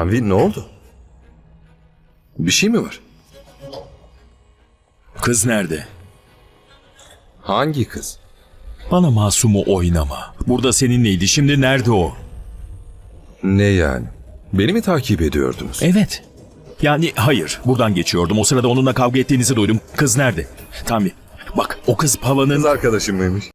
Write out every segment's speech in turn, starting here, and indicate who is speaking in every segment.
Speaker 1: Tanvi, ne oldu? Bir şey mi var?
Speaker 2: Kız nerede?
Speaker 1: Hangi kız?
Speaker 2: Bana masumu oynama. Burada seninleydi. Şimdi nerede o?
Speaker 1: Ne yani? Beni mi takip ediyordunuz?
Speaker 2: Evet. Yani hayır. Buradan geçiyordum. O sırada onunla kavga ettiğinizi duydum. Kız nerede? Tanvi. Bak o kız Pavan'ın...
Speaker 1: Kız arkadaşım mıymış?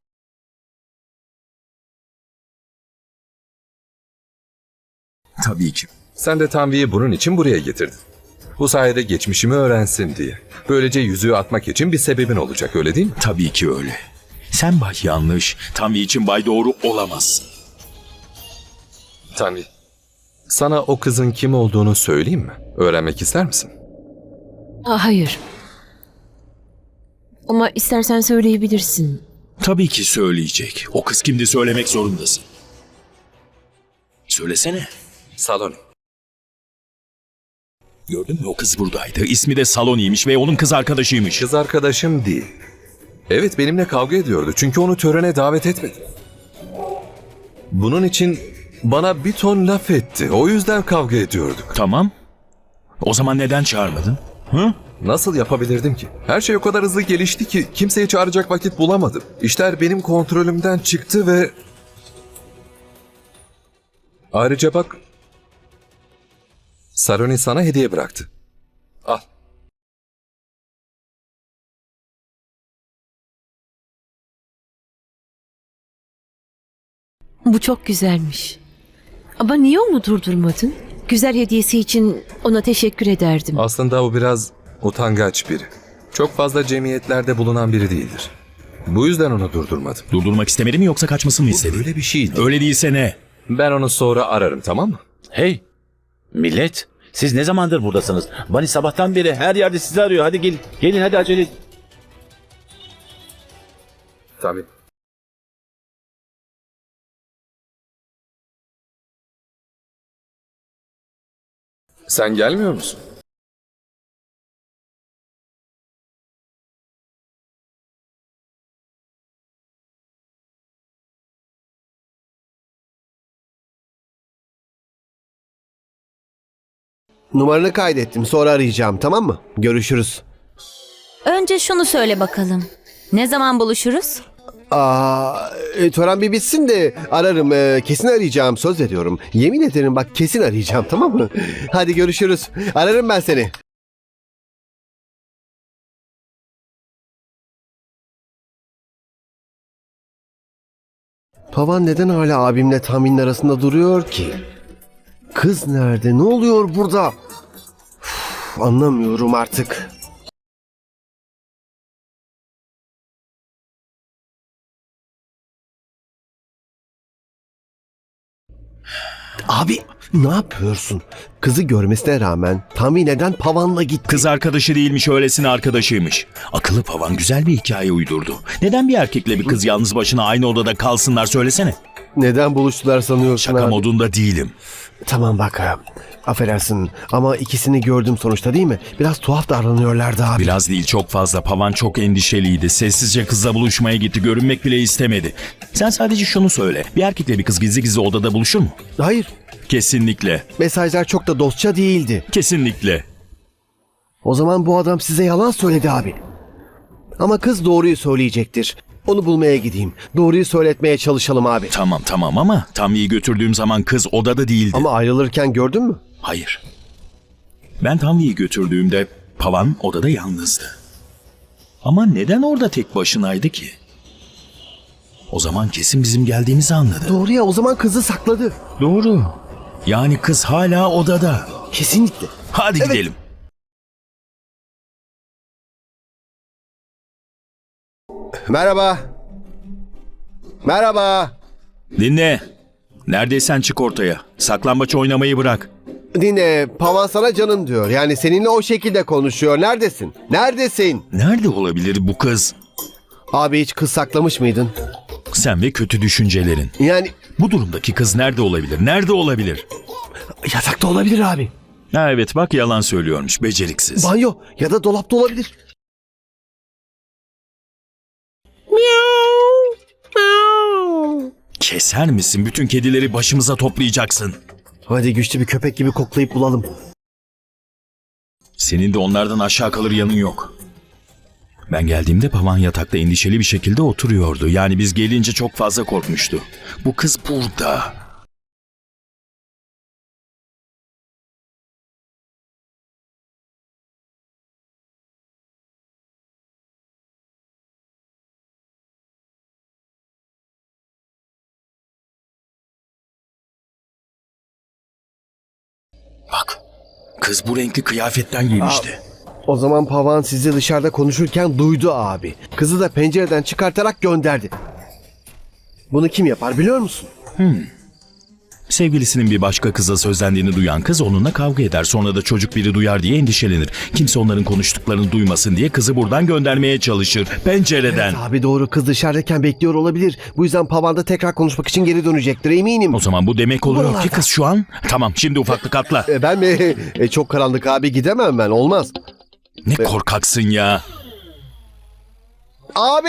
Speaker 2: Tabii ki.
Speaker 1: Sen de Tanvi'yi bunun için buraya getirdin. Bu sayede geçmişimi öğrensin diye. Böylece yüzüğü atmak için bir sebebin olacak, öyle değil mi?
Speaker 2: Tabii ki öyle. Sen bay yanlış. Tanvi için bay doğru olamazsın.
Speaker 1: Tanvi, sana o kızın kim olduğunu söyleyeyim mi? Öğrenmek ister misin?
Speaker 3: Hayır. Ama istersen söyleyebilirsin.
Speaker 2: Tabii ki söyleyecek. O kız kimdi söylemek zorundasın. Söylesene.
Speaker 1: Salon.
Speaker 2: Gördün mü, o kız buradaydı. İsmi de Saloni'ymiş ve onun kız arkadaşıymış.
Speaker 1: Kız arkadaşım değil. Evet, benimle kavga ediyordu çünkü onu törene davet etmedim. Bunun için bana bir ton laf etti. O yüzden kavga ediyorduk.
Speaker 2: Tamam. O zaman neden çağırmadın? Hı?
Speaker 1: Nasıl yapabilirdim ki? Her şey o kadar hızlı gelişti ki kimseyi çağıracak vakit bulamadım. İşler benim kontrolümden çıktı ve... Ayrıca bak... Saroni sana hediye bıraktı. Al.
Speaker 3: Bu çok güzelmiş. Ama niye onu durdurmadın? Güzel hediyesi için ona teşekkür ederdim.
Speaker 1: Aslında o biraz utangaç biri. Çok fazla cemiyetlerde bulunan biri değildir. Bu yüzden onu durdurmadım.
Speaker 2: Durdurmak istemedi mi yoksa kaçmasını mı istedi?
Speaker 1: Öyle bir şeydi.
Speaker 2: Öyle değilse ne?
Speaker 1: Ben onu sonra ararım, tamam mı?
Speaker 4: Hey millet, siz ne zamandır buradasınız? Bani sabahtan beri her yerde sizi arıyor. Hadi gelin, gelin hadi acele edin.
Speaker 1: Tabii. Sen gelmiyor musun?
Speaker 5: Numaranı kaydettim. Sonra arayacağım, tamam mı? Görüşürüz.
Speaker 6: Önce şunu söyle bakalım. Ne zaman buluşuruz?
Speaker 5: Tören bir bitsin de ararım. Kesin arayacağım. Söz veriyorum. Yemin ederim bak, kesin arayacağım, tamam mı? Hadi görüşürüz. Ararım ben seni. Pavan neden hala abimle Tahmin'in arasında duruyor ki? Kız nerede? Ne oluyor burada? Anlamıyorum artık. Abi ne yapıyorsun? Kızı görmesine rağmen Tami neden Pavan'la gitti?
Speaker 2: Kız arkadaşı değilmiş, öylesine arkadaşıymış. Akıllı Pavan güzel bir hikaye uydurdu. Neden bir erkekle bir kız yalnız başına aynı odada kalsınlar söylesene.
Speaker 5: Neden buluştular sanıyorsun
Speaker 2: Şaka
Speaker 5: abi?
Speaker 2: modunda değilim.
Speaker 5: Tamam bak, affedersin ama ikisini gördüm sonuçta, değil mi? Biraz tuhaf davranıyorlardı abi.
Speaker 2: Biraz değil, çok fazla. Pavan çok endişeliydi. Sessizce kızla buluşmaya gitti. Görünmek bile istemedi. Sen sadece şunu söyle. Bir erkekle bir kız gizli gizli odada buluşur mu?
Speaker 5: Hayır,
Speaker 2: Kesinlikle.
Speaker 5: mesajlar çok da dostça değildi.
Speaker 2: Kesinlikle.
Speaker 5: O zaman bu adam size yalan söyledi abi. Ama kız doğruyu söyleyecektir. Onu bulmaya gideyim. Doğruyu söyletmeye çalışalım abi.
Speaker 2: Tamam ama Tanvi'yi götürdüğüm zaman kız odada değildi.
Speaker 5: Ama ayrılırken gördün mü?
Speaker 2: Hayır. Ben Tanvi'yi götürdüğümde Pavan odada yalnızdı. Ama neden orada tek başınaydı ki? O zaman kesin bizim geldiğimizi anladı.
Speaker 5: Doğru ya, o zaman kızı sakladı.
Speaker 2: Doğru. Yani kız hala odada.
Speaker 5: Kesinlikle.
Speaker 2: Hadi
Speaker 5: Evet.
Speaker 2: gidelim.
Speaker 5: Merhaba. Merhaba.
Speaker 2: Dinle. Neredeysen çık ortaya. Saklambaç oynamayı bırak.
Speaker 5: Dinle, Pavan sana canım diyor. Yani seninle o şekilde konuşuyor. Neredesin? Neredesin?
Speaker 2: Nerede olabilir bu kız?
Speaker 5: Abi hiç kız saklamış mıydın?
Speaker 2: Sen ve kötü düşüncelerin.
Speaker 5: Yani
Speaker 2: Bu durumdaki kız nerede olabilir? Nerede olabilir?
Speaker 5: yatakta olabilir abi.
Speaker 2: Ha evet, bak yalan söylüyormuş, beceriksiz.
Speaker 5: Banyo ya da dolapta olabilir.
Speaker 2: Keser misin? Bütün kedileri başımıza toplayacaksın.
Speaker 5: Hadi güçlü bir köpek gibi koklayıp bulalım.
Speaker 2: Senin de onlardan aşağı kalır yanın yok. Ben geldiğimde Pavan yatakta endişeli bir şekilde oturuyordu. Yani biz gelince çok fazla korkmuştu. Bu kız burada. Bak, kız bu renkli kıyafetten giymişti.
Speaker 5: O zaman Pavan sizi dışarıda konuşurken duydu abi. Kızı da pencereden çıkartarak gönderdi. Bunu kim yapar biliyor musun?
Speaker 2: Sevgilisinin bir başka kıza sözlendiğini duyan kız onunla kavga eder. Sonra da çocuk biri duyar diye endişelenir. Kimse onların konuştuklarını duymasın diye kızı buradan göndermeye çalışır. Pencereden.
Speaker 5: Abi doğru, kız dışarıdayken bekliyor olabilir. Bu yüzden Pavan da tekrar konuşmak için geri dönecektir eminim.
Speaker 2: O zaman bu demek oluyor ki
Speaker 5: Buralarda.
Speaker 2: kız şu an... Tamam, şimdi ufaklık atla.
Speaker 5: Ben mi? Çok karanlık abi, gidemem ben, olmaz.
Speaker 2: Ne korkaksın ya.
Speaker 5: Abi!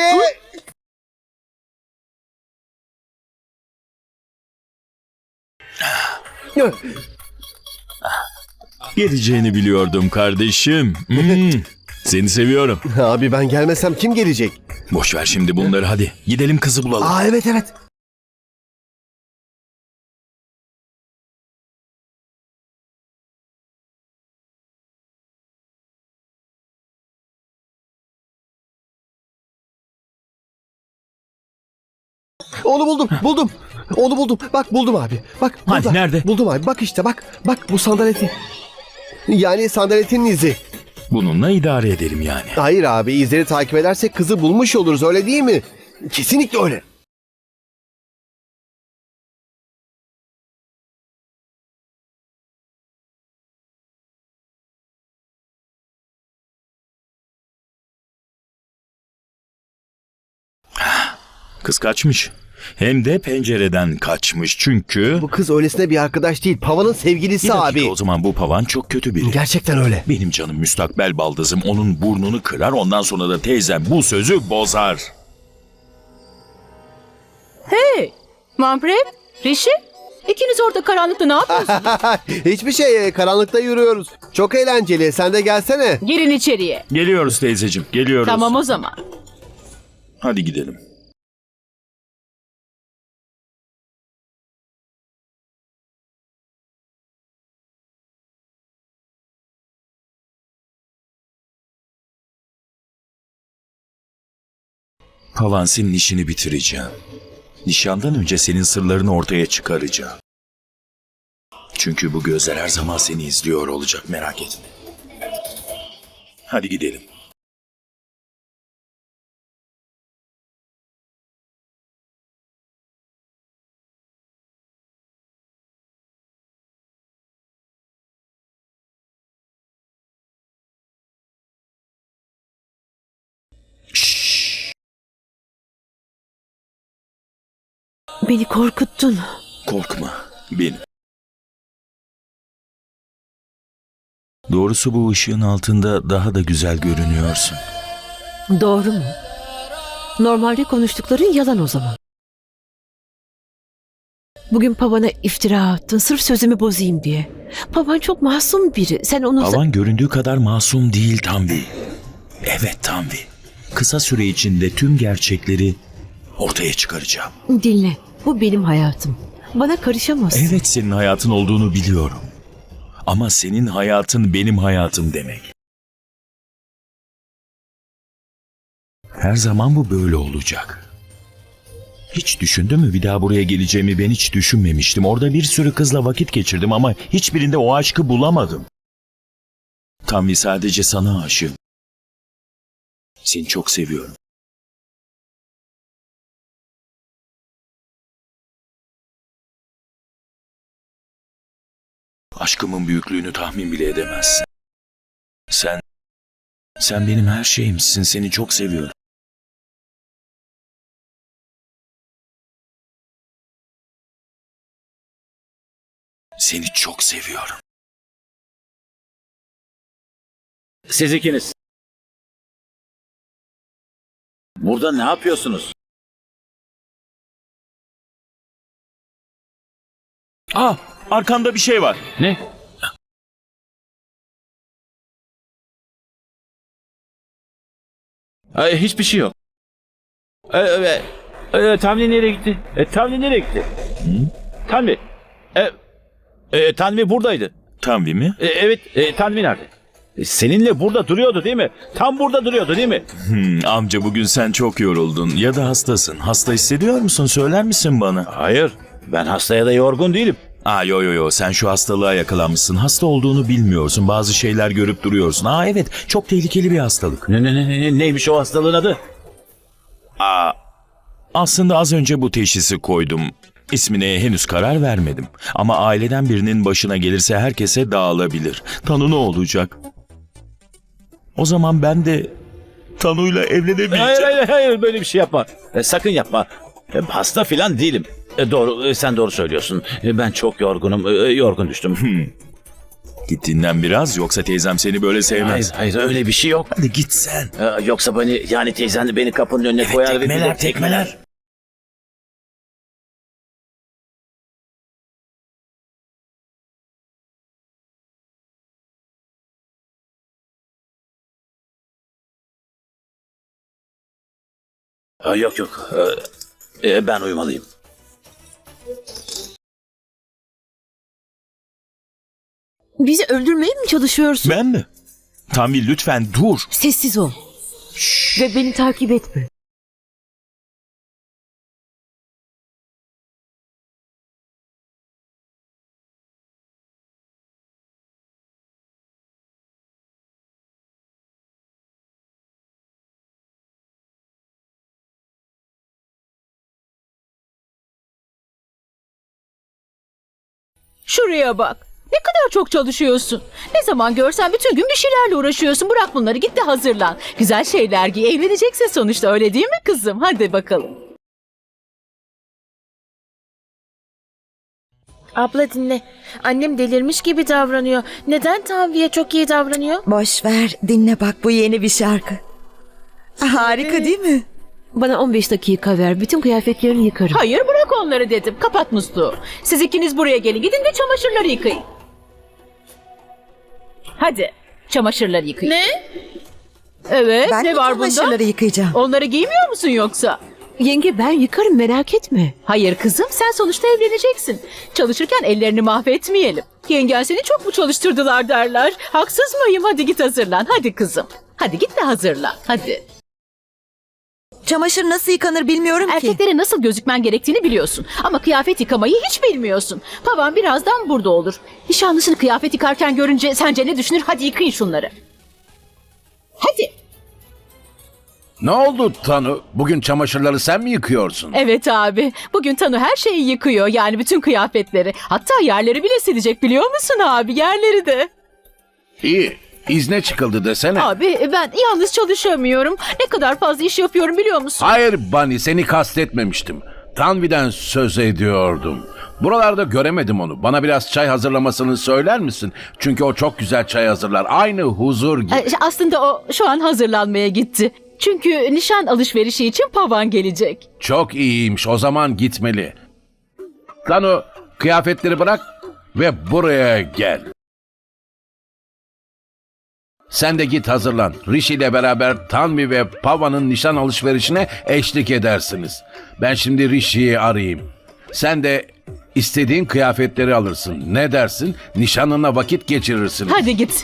Speaker 2: Geleceğini biliyordum kardeşim. Seni seviyorum.
Speaker 5: Abi ben gelmesem kim gelecek?
Speaker 2: Boş ver şimdi bunları, hadi. Gidelim kızı bulalım.
Speaker 5: Aa evet evet. Onu buldum. Onu buldum. Bak buldum abi. Bak
Speaker 2: Hani,
Speaker 5: burada.
Speaker 2: nerede?
Speaker 5: Buldum abi. Bak işte bak. Bak bu sandaletin. Yani sandaletin izi.
Speaker 2: Bununla idare edelim yani.
Speaker 5: Hayır abi, izleri takip edersek kızı bulmuş oluruz, öyle değil mi? Kesinlikle öyle.
Speaker 2: Kız kaçmış. Hem de pencereden kaçmış çünkü...
Speaker 5: Bu kız öylesine bir arkadaş değil. Pavan'ın sevgilisi
Speaker 2: Bir dakika,
Speaker 5: abi.
Speaker 2: o zaman bu Pavan çok kötü biri.
Speaker 5: Gerçekten öyle.
Speaker 2: Benim canım müstakbel baldızım onun burnunu kırar, ondan sonra da teyzem bu sözü bozar.
Speaker 7: Hey, Manpreet, Rishi, ikiniz orada karanlıkta ne yapıyorsunuz?
Speaker 5: Hiçbir şey, karanlıkta yürüyoruz. Çok eğlenceli. Sen de gelsene.
Speaker 7: Girin içeriye.
Speaker 2: Geliyoruz teyzeciğim, geliyoruz.
Speaker 7: Tamam o zaman.
Speaker 2: Hadi gidelim. Pavan, senin işini bitireceğim. Nişandan önce senin sırlarını ortaya çıkaracağım. Çünkü bu gözler her zaman seni izliyor olacak, merak etme. Hadi gidelim.
Speaker 3: Beni korkuttun.
Speaker 2: Korkma, benim. Doğrusu bu ışığın altında daha da güzel görünüyorsun.
Speaker 3: Doğru mu? Normalde konuştukların yalan o zaman. Bugün Pavan'a iftira attın sırf sözümü bozayım diye. Pavan çok masum biri. Sen onu...
Speaker 2: Pavan göründüğü kadar masum değil Tanvi. Evet Tanvi. Kısa süre içinde tüm gerçekleri ortaya çıkaracağım.
Speaker 3: Dinle. Bu benim hayatım. Bana karışamazsın.
Speaker 2: Evet, senin hayatın olduğunu biliyorum. Ama senin hayatın benim hayatım demek. Her zaman bu böyle olacak. Hiç düşündün mü bir daha buraya geleceğimi? Ben hiç düşünmemiştim. Orada bir sürü kızla vakit geçirdim ama hiçbirinde o aşkı bulamadım. Tanvi, sadece sana aşığım. Seni çok seviyorum. Aşkımın büyüklüğünü tahmin bile edemezsin. Sen benim her şeyimsin. Seni çok seviyorum. Seni çok seviyorum.
Speaker 4: Siz ikiniz. Burada ne yapıyorsunuz?
Speaker 2: Arkanda bir şey var.
Speaker 4: Ne? Hiçbir şey yok. Tanvi nereye gitti? Tanvi nereye gitti? Tanvi. Tanvi buradaydı.
Speaker 2: Tanvi mi?
Speaker 4: Evet, Tanvi nerede? Seninle burada duruyordu değil mi? Tam burada duruyordu değil mi?
Speaker 2: Amca bugün sen çok yoruldun ya da hastasın. Hasta hissediyor musun? Söyler misin bana?
Speaker 4: Hayır, ben hastaya da yorgun değilim.
Speaker 2: Yo sen şu hastalığa yakalanmışsın. Hasta olduğunu bilmiyorsun. Bazı şeyler görüp duruyorsun. Evet, çok tehlikeli bir hastalık.
Speaker 4: Neymiş o hastalığın adı?
Speaker 2: Aslında az önce bu teşhisi koydum. İsmine henüz karar vermedim. Ama aileden birinin başına gelirse herkese dağılabilir. Tanu ne olacak? O zaman ben de Tanu'yla evlenemeyeceğim.
Speaker 4: Hayır, böyle bir şey yapma. Sakın yapma. Hasta filan değilim. Doğru, sen doğru söylüyorsun. Ben çok yorgunum, yorgun düştüm.
Speaker 2: Git dinlen biraz, yoksa teyzem seni böyle sevmez.
Speaker 4: Hayır, öyle bir şey yok.
Speaker 2: Hadi git sen.
Speaker 4: Yoksa yani teyzen de beni kapının önüne koyar ve...
Speaker 2: Tekmeler.
Speaker 4: Yok. Ben uyumalıyım.
Speaker 3: Bizi öldürmeye mi çalışıyorsun?
Speaker 2: Ben mi? Tanvi lütfen dur.
Speaker 3: Sessiz ol. Ve beni takip etme.
Speaker 7: Şuraya bak. Ne kadar çok çalışıyorsun. Ne zaman görsen bütün gün bir şeylerle uğraşıyorsun. Bırak bunları, git de hazırlan. Güzel şeyler giy. Evleneceksin sonuçta, öyle değil mi kızım? Hadi bakalım.
Speaker 8: Abla dinle. Annem delirmiş gibi davranıyor. Neden Tanvi'ye çok iyi davranıyor?
Speaker 9: Boş ver, dinle bak, bu yeni bir şarkı. Harika değil mi?
Speaker 3: Bana 15 dakika ver. Bütün kıyafetlerini yıkarım.
Speaker 7: Hayır, bırak onları dedim. Kapat musluğu. Siz ikiniz buraya gelin. Gidin de çamaşırları yıkayın. Hadi çamaşırları yıkayın.
Speaker 8: Ne?
Speaker 7: Evet,
Speaker 9: Ben
Speaker 7: ne
Speaker 9: de
Speaker 7: var bunda?
Speaker 9: çamaşırları yıkayacağım.
Speaker 7: Onları giymiyor musun yoksa?
Speaker 3: Yenge ben yıkarım, merak etme.
Speaker 7: Hayır kızım, sen sonuçta evleneceksin. Çalışırken ellerini mahvetmeyelim. Yengen seni çok mu çalıştırdılar derler. Haksız mıyım? Hadi git hazırlan. Hadi kızım. Hadi git de hazırlan. Hadi.
Speaker 9: Çamaşır nasıl yıkanır bilmiyorum ki.
Speaker 7: Erkeklere nasıl gözükmen gerektiğini biliyorsun. Ama kıyafet yıkamayı hiç bilmiyorsun. Pavan birazdan burada olur. Nişanlısını kıyafet yıkarken görünce sence ne düşünür? Hadi yıkayın şunları. Hadi.
Speaker 10: Ne oldu Tanu? Bugün çamaşırları sen mi yıkıyorsun?
Speaker 7: Evet abi. Bugün Tanu her şeyi yıkıyor. Yani bütün kıyafetleri. Hatta yerleri bile silecek, biliyor musun abi? Yerleri de.
Speaker 10: İyi. İzne çıkıldı desene.
Speaker 7: Abi ben yalnız çalışamıyorum. Ne kadar fazla iş yapıyorum biliyor musun?
Speaker 10: Hayır Bunny, seni kastetmemiştim. Tanvi'den söz ediyordum. Buralarda göremedim onu. Bana biraz çay hazırlamasını söyler misin? Çünkü o çok güzel çay hazırlar. Aynı huzur gibi.
Speaker 7: Aslında o şu an hazırlanmaya gitti. Çünkü nişan alışverişi için Pavan gelecek.
Speaker 10: Çok iyiymiş. O zaman gitmeli. Tanu, kıyafetleri bırak ve buraya gel. Sen de git hazırlan. Rishi ile beraber Tanvi ve Pavan'ın nişan alışverişine eşlik edersiniz. Ben şimdi Rishi'yi arayayım. Sen de istediğin kıyafetleri alırsın. Ne dersin? Nişanına vakit geçirirsiniz.
Speaker 7: Hadi git.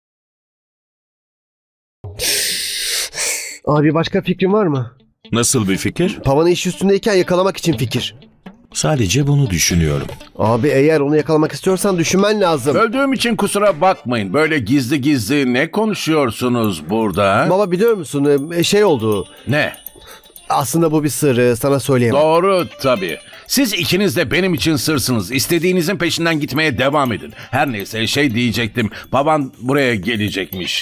Speaker 5: Abi başka fikrin var mı?
Speaker 2: Nasıl bir fikir?
Speaker 5: Pavan'ı iş üstündeyken yakalamak için fikir.
Speaker 2: Sadece bunu düşünüyorum.
Speaker 5: Abi eğer onu yakalamak istiyorsan düşünmen lazım.
Speaker 10: Öldüğüm için kusura bakmayın. Böyle gizli gizli ne konuşuyorsunuz burada? ha?
Speaker 5: Baba biliyor musun şey oldu.
Speaker 10: Ne?
Speaker 5: Aslında bu bir sır, sana söyleyemem.
Speaker 10: Doğru tabii. Siz ikiniz de benim için sırsınız. İstediğinizin peşinden gitmeye devam edin. Her neyse şey diyecektim. Baban buraya gelecekmiş.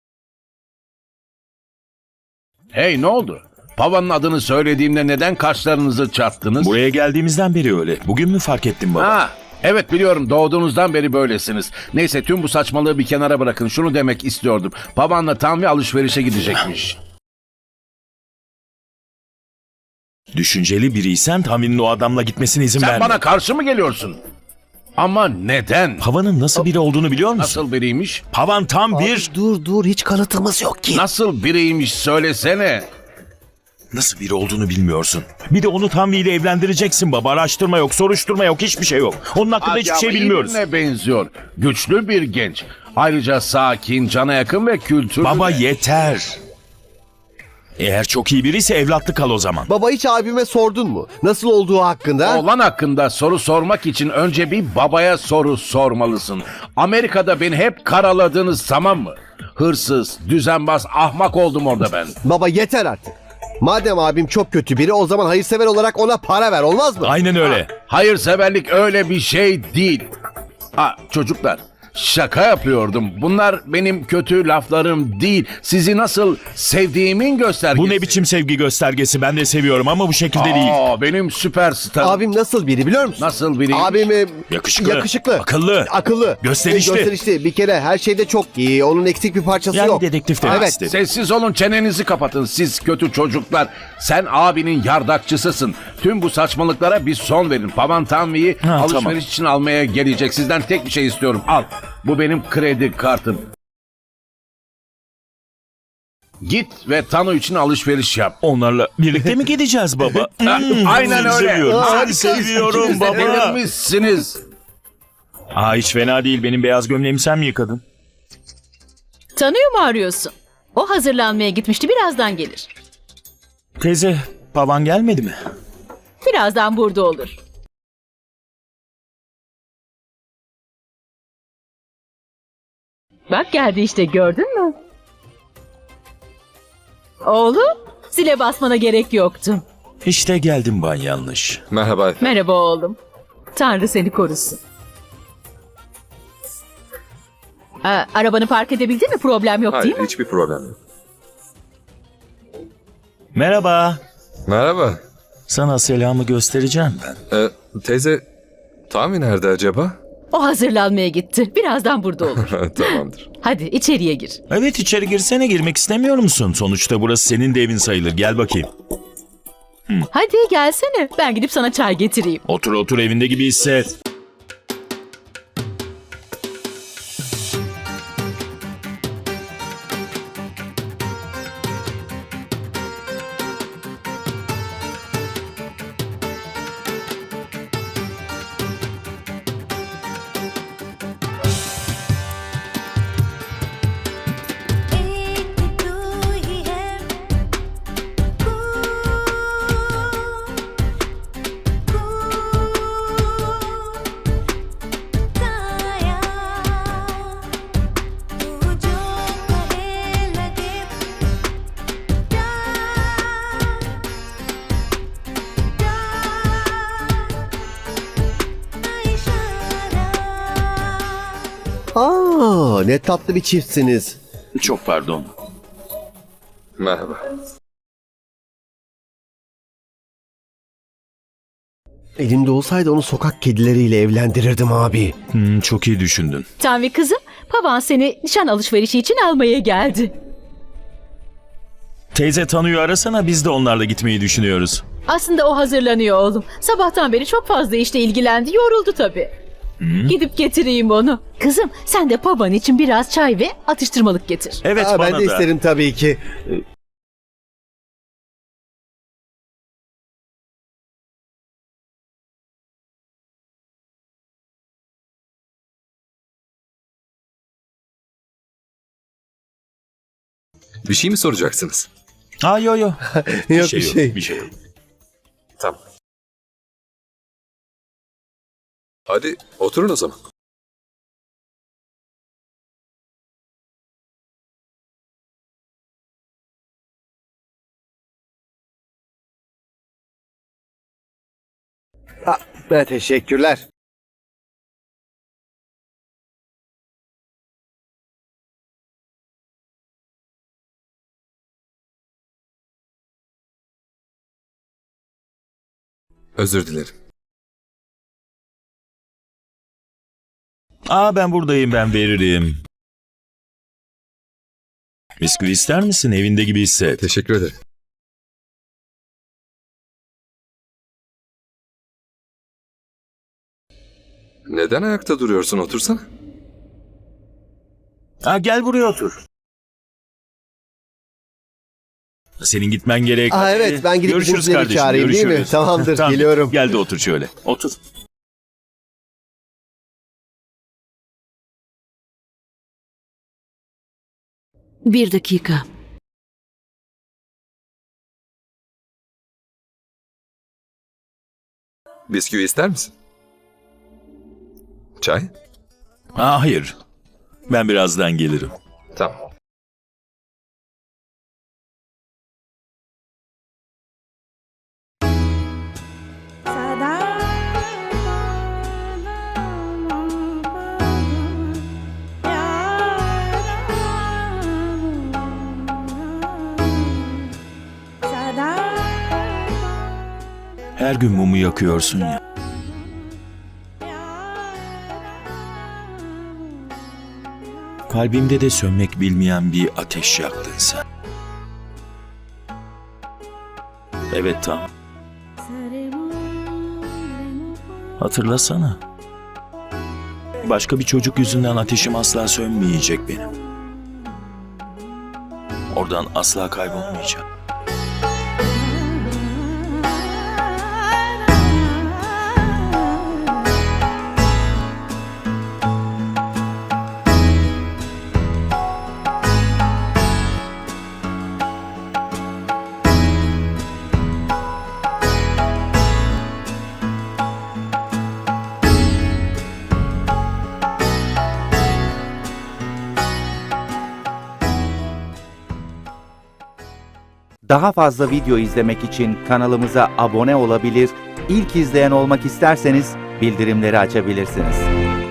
Speaker 10: Hey, ne oldu? Pavan'ın adını söylediğimde neden kaşlarınızı çattınız?
Speaker 2: Buraya geldiğimizden beri öyle. Bugün mü fark ettin baba?
Speaker 10: Ha, evet biliyorum, doğduğunuzdan beri böylesiniz. Neyse, tüm bu saçmalığı bir kenara bırakın. Şunu demek istiyordum. Pavan'la Tanvi alışverişe gidecekmiş.
Speaker 2: Düşünceli biriysen Tanvi'nin o adamla gitmesine izin
Speaker 10: Sen
Speaker 2: verme.
Speaker 10: bana karşı mı geliyorsun? Ama neden?
Speaker 2: Pavan'ın nasıl biri olduğunu biliyor musun?
Speaker 10: Nasıl biriymiş?
Speaker 2: Pavan tam bir...
Speaker 5: Dur hiç kanıtımız yok ki.
Speaker 10: Nasıl biriymiş söylesene.
Speaker 2: Nasıl biri olduğunu bilmiyorsun. Bir de onu Tanvi ile evlendireceksin baba. Araştırma yok, soruşturma yok, hiçbir şey yok. Onun hakkında hiçbir şey bilmiyoruz.
Speaker 10: Ne benziyor? Güçlü bir genç. Ayrıca sakin, cana yakın ve kültürlü.
Speaker 2: Baba
Speaker 10: de.
Speaker 2: yeter. Eğer çok iyi biriyse evlatlık kal o zaman.
Speaker 5: Baba hiç abime sordun mu? Nasıl olduğu hakkında?
Speaker 10: Oğlan hakkında soru sormak için önce bir babaya soru sormalısın. Amerika'da beni hep karaladınız, tamam mı? Hırsız, düzenbaz, ahmak oldum orada ben.
Speaker 5: Baba yeter artık. Madem abim çok kötü biri, o zaman hayırsever olarak ona para ver, olmaz mı?
Speaker 2: Aynen öyle.
Speaker 10: Hayırseverlik öyle bir şey değil. Çocuklar, şaka yapıyordum. Bunlar benim kötü laflarım değil. Sizi nasıl sevdiğimin göstergesi.
Speaker 2: Bu ne biçim sevgi göstergesi? Ben de seviyorum ama bu şekilde değil.
Speaker 10: Benim süperstarım.
Speaker 5: Abim nasıl biri biliyor musun?
Speaker 10: Nasıl biri?
Speaker 5: Abim
Speaker 2: Yakışıklı, akıllı, gösterişli.
Speaker 5: Gösterişli. Bir kere her şeyde çok iyi. Onun eksik bir parçası
Speaker 2: Yani
Speaker 5: yok.
Speaker 2: dedektif demek
Speaker 5: Evet.
Speaker 2: istedim.
Speaker 10: Sessiz olun, çenenizi kapatın siz kötü çocuklar. Sen abinin yardakçısısın. Tüm bu saçmalıklara bir son verin. Pavan Tanvi'yi alışveriş
Speaker 2: tamam.
Speaker 10: için almaya gelecek. Sizden tek bir şey istiyorum. Al. Bu benim kredi kartım. Git ve Tanu için alışveriş yap.
Speaker 2: Onlarla birlikte mi gideceğiz baba?
Speaker 10: Aynen
Speaker 2: seni
Speaker 10: öyle.
Speaker 2: Seviyorum.
Speaker 10: Harika.
Speaker 2: Seni seviyorum
Speaker 10: İkiniz de
Speaker 2: baba.
Speaker 10: delirmişsiniz.
Speaker 2: Hiç fena değil. Benim beyaz gömleğimi sen mi yıkadın?
Speaker 7: Tanıyor mu arıyorsun? O hazırlanmaya gitmişti, birazdan gelir.
Speaker 2: Teyze, baban gelmedi mi?
Speaker 7: Birazdan burada olur. Bak geldi işte, gördün mü? Oğlum, zile basmana gerek yoktu.
Speaker 2: İşte geldim ben yanlış.
Speaker 1: Merhaba.
Speaker 7: Merhaba oğlum. Tanrı seni korusun. Arabanı park edebildin mi? Problem yok değil mi?
Speaker 1: hiçbir problem yok.
Speaker 2: Merhaba.
Speaker 1: Merhaba.
Speaker 2: Sana selamı göstereceğim ben.
Speaker 1: Teyze, Tami nerede acaba?
Speaker 7: O hazırlanmaya gitti. Birazdan burada olur.
Speaker 1: Tamamdır.
Speaker 7: Hadi içeriye gir.
Speaker 2: Evet, içeri girsene. Girmek istemiyor musun? Sonuçta burası senin de evin sayılır. Gel bakayım.
Speaker 7: Hadi gelsene. Ben gidip sana çay getireyim.
Speaker 2: Otur otur, evinde gibi hisset.
Speaker 5: Ne tatlı bir çiftsiniz.
Speaker 2: Çok pardon.
Speaker 1: Merhaba.
Speaker 5: Elimde olsaydı onu sokak kedileriyle evlendirirdim abi.
Speaker 2: Çok iyi düşündün.
Speaker 7: Tanvi kızım, baban seni nişan alışverişi için almaya geldi.
Speaker 2: Teyze Tanu'yu arasana, biz de onlarla gitmeyi düşünüyoruz.
Speaker 7: Aslında o hazırlanıyor oğlum. Sabahtan beri çok fazla işle ilgilendi, yoruldu tabii. Gidip getireyim onu. Kızım, sen de baban için biraz çay ve atıştırmalık getir.
Speaker 2: Evet, bana
Speaker 5: Ben de
Speaker 2: da.
Speaker 5: isterim tabii ki.
Speaker 1: Bir şey mi soracaksınız?
Speaker 2: Yo.
Speaker 5: Yok
Speaker 2: Bir şey yok.
Speaker 1: Tamam. Hadi oturun o zaman.
Speaker 5: Teşekkürler.
Speaker 1: Özür dilerim.
Speaker 2: Ben buradayım, ben veririm. Bisküvi ister misin? Evinde gibi hisset.
Speaker 1: Teşekkür ederim. Neden ayakta duruyorsun? Otursana.
Speaker 2: Ha, gel buraya otur. Senin gitmen gerek.
Speaker 5: Aa, evet, ben gidip
Speaker 2: Görüşürüz
Speaker 5: bizimkileri
Speaker 2: kardeşim,
Speaker 5: çağırayım, değil mi?
Speaker 2: görüşürüz.
Speaker 5: Tamamdır,
Speaker 2: Tamam,
Speaker 5: geliyorum.
Speaker 2: Gel de otur şöyle. Otur.
Speaker 3: Bir dakika.
Speaker 1: Bisküvi ister misin? Çay?
Speaker 2: Ha, hayır. Ben birazdan gelirim.
Speaker 1: Tamam.
Speaker 2: Her gün mumu yakıyorsun ya. Kalbimde de sönmek bilmeyen bir ateş yaktın sen. Evet, tamam. Hatırlasana. Başka bir çocuk yüzünden ateşim asla sönmeyecek benim. Oradan asla kaybolmayacağım.
Speaker 11: Daha fazla video izlemek için kanalımıza abone olabilir, ilk izleyen olmak isterseniz bildirimleri açabilirsiniz.